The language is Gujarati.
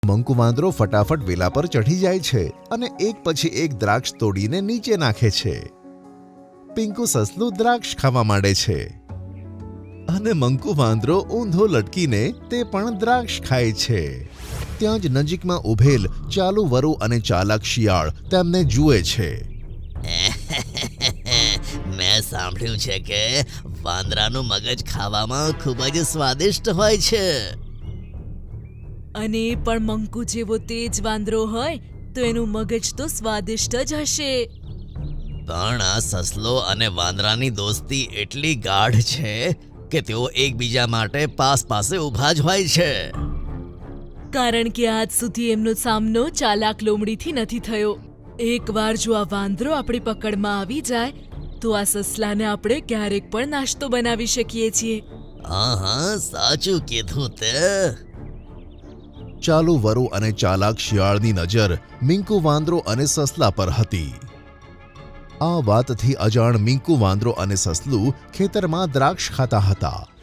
મંકુ વાંદરો ફટાફટ વેલા પર ચઢી જાય છે અને એક પછી એક દ્રાક્ષ તોડીને નીચે નાખે છે. પિંકુ સસલું દ્રાક્ષ ખાવા માંડે છે અને મંકુ વાંદરો ઊંધો લટકીને તે પણ દ્રાક્ષ ખાય છે. ત્યાં જ નજીકમાં ઊભેલ ચાલુ વરુ અને ચાલાક શિયાળ તેમને જુએ છે. મેં સાંભળ્યું છે કે વાંદરાનું મગજ ખાવામાં ખૂબ જ સ્વાદિષ્ટ હોય છે. અને એ પણ મંકુ જેવો તેજ વાંદરો હોય તો એનું મગજ તો સ્વાદિષ્ટ જ હશે. પણ આ સસલો અને વાંદરાની દોસ્તી એટલી ગાઢ છે કે તેઓ એકબીજા માટે પાસે ઊભા જ હોય છે. કારણ કે આજ સુધી એમનો સામનો ચાલાક લોમડીથી નથી થયો. એકવાર જો આ વાંદરો આપણી પકડમાં આવી જાય તો આ સસલાને આપણે ક્યારેક પણ નાસ્તો બનાવી શકીએ છીએ. હા, સાચું કીધું તે. ચાલુ વરુ અને ચાલાક શિયાળની નજર મિંકુ વાંદરો અને સસલા પર હતી. આ વાતથી અજાણ મિંકુ વાંદરો અને સસલું ખેતરમાં દ્રાક્ષ ખાતા હતા.